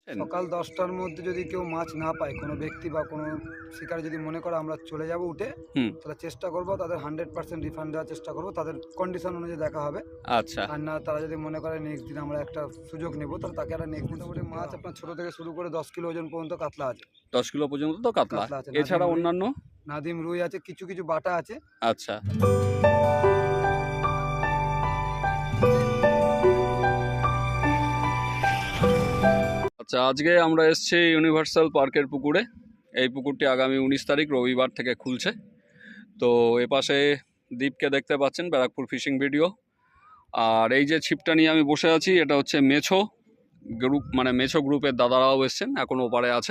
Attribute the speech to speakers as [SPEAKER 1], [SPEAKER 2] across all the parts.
[SPEAKER 1] সকাল 10টার মধ্যে যদি কেউ মাছ না পায়, কোনো ব্যক্তি বা কোনো শিকার যদি মনে করে আমরা চলে যাব উঠে, তাহলে চেষ্টা করব তাদের 100% রিফান্ড দেওয়ার চেষ্টা করব, তাদের কন্ডিশন অনুযায়ী দেখা হবে।
[SPEAKER 2] আচ্ছা।
[SPEAKER 1] আর না তারা যদি মনে করে নেক্সট দিন আমরা একটা সুযোগ নেব, তাহলে তাকে একটা নেক্সট দিন মোটামুটি মাছ আপনার ছোট থেকে শুরু করে 10 কিলো ওজন পর্যন্ত কাতলা আছে।
[SPEAKER 2] 10 কিলো পর্যন্ত তো কাতলা
[SPEAKER 1] আছে,
[SPEAKER 2] এছাড়া অন্যান্য
[SPEAKER 1] নাদিম রুই আছে, কিছু কিছু বাটা আছে।
[SPEAKER 2] আচ্ছা। আচ্ছা, আজকে আমরা এসেছি ইউনিভার্সাল পার্কের পুকুরে। এই পুকুরটি আগামী 19 তারিখ রবিবার থেকে খুলছে। তো এপাশে দ্বীপকে দেখতে পাচ্ছেন, ব্যারাকপুর ফিশিং ভিডিও। আর এই যে ছিপটা নিয়ে আমি বসে আছি, এটা হচ্ছে মেছো গ্রুপ, মানে মেছো গ্রুপের দাদারাও এসছেন, এখন ওপারে আছে।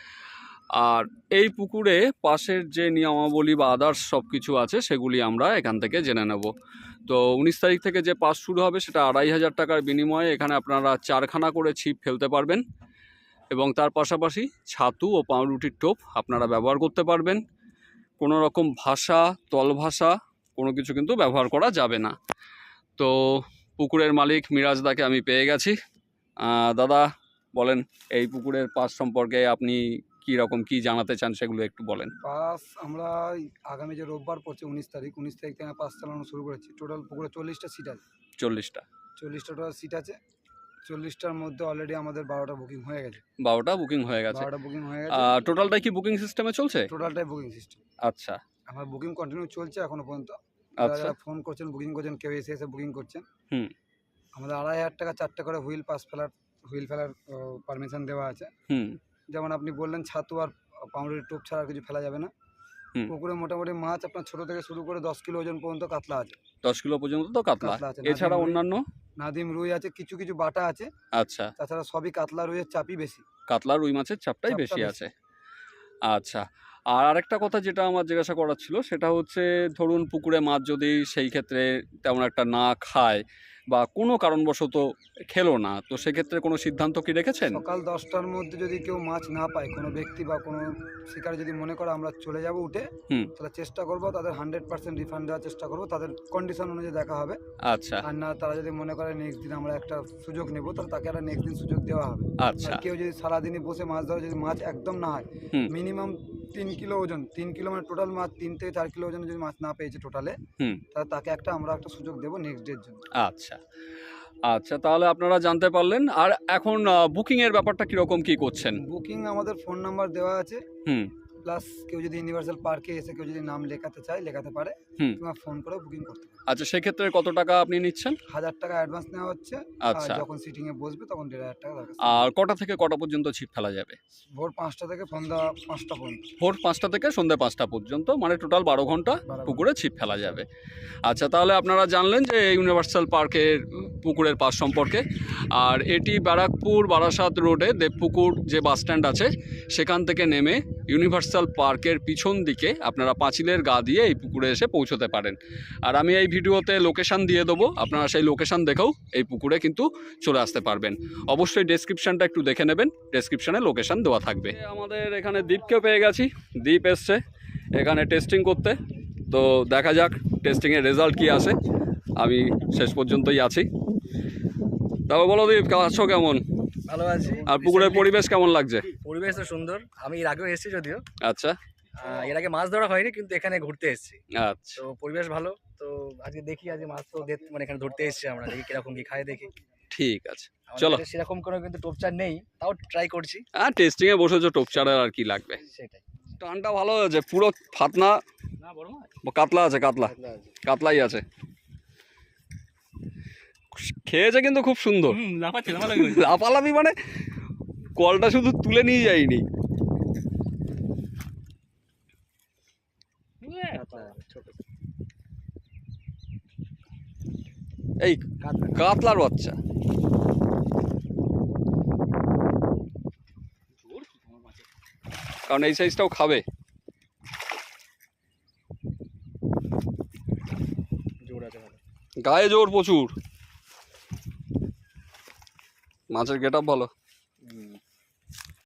[SPEAKER 2] আর এই পুকুরে পাশের যে নিয়মাবলী বা আদার্স সব কিছু আছে সেগুলি আমরা এখান থেকে জেনে নেব। তো 19 তারিখ থেকে যে পাস শুরু হবে সেটা 2500 টাকার বিনিময়ে এখানে আপনারা 4খানা করে ছিপ ফেলতে পারবেন, এবং তার পাশাপাশি ছাতু ও পাউরুটির টোপ আপনারা ব্যবহার করতে পারবেন। কোনো রকম ভাষা, তল ভাষা কোনো কিছু কিন্তু ব্যবহার করা যাবে না। তো পুকুরের মালিক মিরাজদাকে আমি পেয়ে গেছি। দাদা বলেন, এই পুকুরের পাস সম্পর্কে আপনি কী রকম কী জানাতে চান সেগুলো একটু বলেন।
[SPEAKER 1] পাস আমরা আগামী যে রোববার পড়ছে 19 তারিখ থেকে পাস চালানো শুরু করেছি। টোটাল পুকুরে 40টা সিট আছে।
[SPEAKER 2] 40টা
[SPEAKER 1] টোটাল সিট আছে। 40টার মধ্যে অলরেডি আমাদের 12টা বুকিং হয়ে গেছে।
[SPEAKER 2] 12টা বুকিং হয়ে গেছে। টোটালটাই কি বুকিং সিস্টেমে চলছে?
[SPEAKER 1] টোটালটাই বুকিং সিস্টেম।
[SPEAKER 2] আচ্ছা,
[SPEAKER 1] আমার বুকিং কন্টিনিউ চলছে এখনো পর্যন্ত।
[SPEAKER 2] আচ্ছা,
[SPEAKER 1] ফোন করছেন, বুকিং করছেন, কেউ এসে বুকিং করছেন। আমাদের 2500 টাকা 4টে করে হুইল ফেলার পারমিশন দেওয়া আছে। যেমন আপনি বললেন, ছাতু আর পাউরুটির টোপ ছাড়া কিছু ফেলা যাবে না। পুকুরে মোটামুটি মাছ আপনার ছোট থেকে শুরু করে 10 কিলো ওজন পর্যন্ত কাতলা আছে।
[SPEAKER 2] 10 কিলো পর্যন্ত তো কাতলা আছে। এছাড়া অন্যান্য
[SPEAKER 1] নাদিম রুই আছে, কিছু কিছু বাটা আছে।
[SPEAKER 2] আচ্ছা।
[SPEAKER 1] তাছাড়া সবই কাতলা রুইয়ের চাপই বেশি।
[SPEAKER 2] কাতলা রুই মাছের চাপটাই বেশি আছে। আচ্ছা, আর আরেকটা কথা যেটা আমার জিজ্ঞাসা করার ছিল সেটা হচ্ছে, ধরুন পুকুরে মাছ যদি সেই ক্ষেত্রে তেমন একটা না খায় বা কোনো কারণবশত খেলো না, তো সেক্ষেত্রে কোনো সিদ্ধান্ত কি রেখেছেন?
[SPEAKER 1] সকাল 10টার মধ্যে যদি কেউ মাছ না পায়, কোনো ব্যক্তি বা কোনো শিকার যদি মনে করে আমরা চলে যাব উঠে, তাহলে চেষ্টা করব তাদের 100% রিফান্ড দেওয়ার চেষ্টা করব, তাদের কন্ডিশন অনুযায়ী দেখা হবে।
[SPEAKER 2] আচ্ছা।
[SPEAKER 1] আর না তারা যদি মনে করে নেক্সট দিন আমরা একটা সুযোগ নেব, তাহলে তাকে একটা নেক্সট দিন সুযোগ দেওয়া হবে।
[SPEAKER 2] আচ্ছা।
[SPEAKER 1] কেউ যদি সারাদিনই বসে মাছ ধরে, যদি মাছ একদম না হয়, মিনিমাম 3 কিলো ওজন, 3 কিলো মানে টোটাল মাছ 3 থেকে 4 কিলো ওজনের যদি মাছ না পেয়েছে টোটালে, তাহলে তাকে আমরা একটা সুযোগ দেবো নেক্সট ডের জন্য।
[SPEAKER 2] আচ্ছা আচ্ছা, তাহলে আপনারা জানতে পারলেন। আর এখন বুকিং এর ব্যাপারটা কিরকম কি করছেন?
[SPEAKER 1] বুকিং আমাদের ফোন নাম্বার দেওয়া আছে। প্লাস কেউ যদি ইউনিভার্সাল পার্কে এসে কেউ যদি নাম লেখাতে চায়, লেখাতে পারে। তোমার ফোন করে বুকিং করতে পারে।
[SPEAKER 2] আচ্ছা, সেক্ষেত্রে কত টাকা আপনি নিচ্ছেন?
[SPEAKER 1] 1000 টাকা অ্যাডভান্স নেওয়া হচ্ছে।
[SPEAKER 2] আচ্ছা।
[SPEAKER 1] যখন সিটিং এ বসবে তখন 1500 টাকা দরকার।
[SPEAKER 2] আর কটা থেকে কটা পর্যন্ত ছিপ ফেলা যাবে?
[SPEAKER 1] ভোর 5টা থেকে সন্ধ্যা 5টা পর্যন্ত।
[SPEAKER 2] ভোর 5টা থেকে সন্ধ্যা 5টা পর্যন্ত, মানে টোটাল 12 ঘন্টা পুকুরে ছিপ ফেলা যাবে। আচ্ছা, তাহলে আপনারা জানলেন যে ইউনিভার্সাল পার্কের পুকুরের পাস সম্পর্কে। আর এটি ব্যারাকপুর বারাসাত রোডে দেবপুকুর যে বাস স্ট্যান্ড আছে সেখান থেকে নেমে ইউনিভার্সাল পার্কের পিছন দিকে আপনারা পাঁচিলের গা দিয়ে এই পুকুরে এসে পৌঁছতে পারেন। আর আমি এই ভিডিওতে লোকেশান দিয়ে দেবো, আপনারা সেই লোকেশান দেখেও এই পুকুরে কিন্তু চলে আসতে পারবেন। অবশ্যই ডেসক্রিপশানটা একটু দেখে নেবেন, ডেসক্রিপশানে লোকেশান দেওয়া থাকবে। আমাদের এখানে দ্বীপকেও পেয়ে গেছি। দ্বীপ এসছে এখানে টেস্টিং করতে। তো দেখা যাক টেস্টিংয়ের রেজাল্ট কী আসে। আমি শেষ পর্যন্তই আছি। তারপর বলো দীপ, আছো কেমন?
[SPEAKER 3] ভালো আছি।
[SPEAKER 2] আর পুকুরের পরিবেশ কেমন লাগছে?
[SPEAKER 3] পরিবেশ তো সুন্দর। আমি এর আগেও এসেছি যদিও।
[SPEAKER 2] আচ্ছা।
[SPEAKER 3] এর আগে মাছ ধরা হয়নি, কিন্তু এখানে ঘুরতে এসেছি।
[SPEAKER 2] আচ্ছা।
[SPEAKER 3] তো পরিবেশ ভালো। তো আজকে দেখি, আজকে মাছ তো মানে এখানে ধরতে এসেছি আমরা, দেখি কিরকম কি খায় দেখি।
[SPEAKER 2] ঠিক আছে, চলো।
[SPEAKER 3] সেরকম কোনো কিন্তু টোপচার নেই, তাও ট্রাই করছি।
[SPEAKER 2] টেস্টিংয়ে বসেছো, টোপচারের আর কি লাগবে।
[SPEAKER 3] সেটাই।
[SPEAKER 2] টানটা ভালো হয়েছে, পুরো ফাতনা কাতলা আছে, কাতলাই আছে। খেয়েছে কিন্তু খুব সুন্দর। লাফালাফি মানে কলটা শুধু তুলে নিয়ে যায়নি। এই কাতলার বাচ্চা। কারণ এই সাইজটাও খাবে। গায়ে জোর প্রচুর। মাছের গেট আপ ভালো।